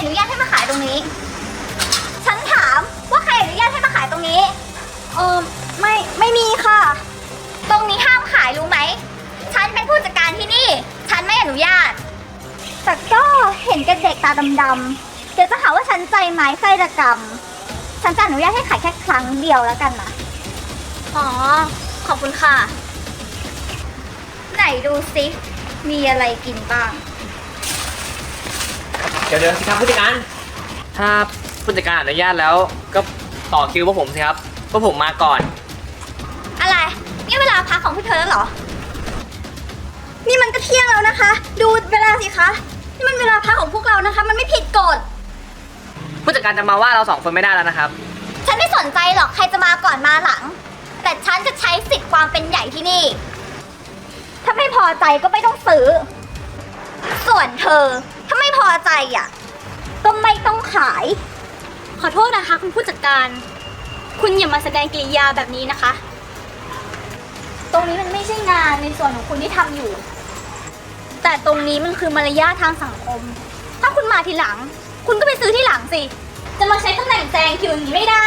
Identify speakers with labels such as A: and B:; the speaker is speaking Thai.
A: อนุญาตให้มาขายตรงนี้ ฉันถามว่าใครอนุญาตให้มาขายตรงนี้ไม่มีค่ะ ตรงนี้ห้ามขายรู้ไหม ฉันเป็นผู้จัดการที่นี่ ฉันไม่อนุญาต แต่ก็เห็นกับเด็กตาดำๆเดี๋ยวจะหาว่าฉันใจไม้ไส้ระกำฉันจะอนุญาตให้ขายแค่ครั้งเดียวแล้วกันนะ
B: อ๋อ ขอบคุณค่ะ
A: ไหนดูซิมีอะไรกินบ้าง
C: เดี๋ยวสิครับผู้จัดการถ้าผู้จัดการอนุญาตแล้วก็ต่อคิวพวกผมสิครับพวกผมมาก่อน
A: อะไรนี่เวลาพักของพวกเธอแล้วเหรอ นี่มันก็เที่ยงแล้วนะคะ ดูเวลาสิคะนี่มันเวลาพักของพวกเรานะคะ มันไม่ผิดกฎ
C: ผู้จัดการจะมาว่าเราสองคนไม่ได้แล้วนะครับ
A: ฉันไม่สนใจหรอกใครจะมาก่อนมาหลัง แต่ฉันจะใช้สิทธิ์ความเป็นใหญ่ที่นี่ ถ้าไม่พอใจก็ไม่ต้องซื้อ ส่วนเธอถ้าไม่พอใจอ่ะก็ไม่ต้องขาย
B: ขอโทษนะคะคุณผู้จัดการ คุณอย่ามาแสดงกิริยาแบบนี้นะคะ
A: ตรงนี้มันไม่ใช่งานในส่วนของคุณที่ทำอยู่ แต่ตรงนี้มันคือมารยาททางสังคม ถ้าคุณมาทีหลัง คุณก็ไปซื้อที่หลังสิ จะมาใช้ตำแหน่งแซงคิวอย่างนี้ไม่ได้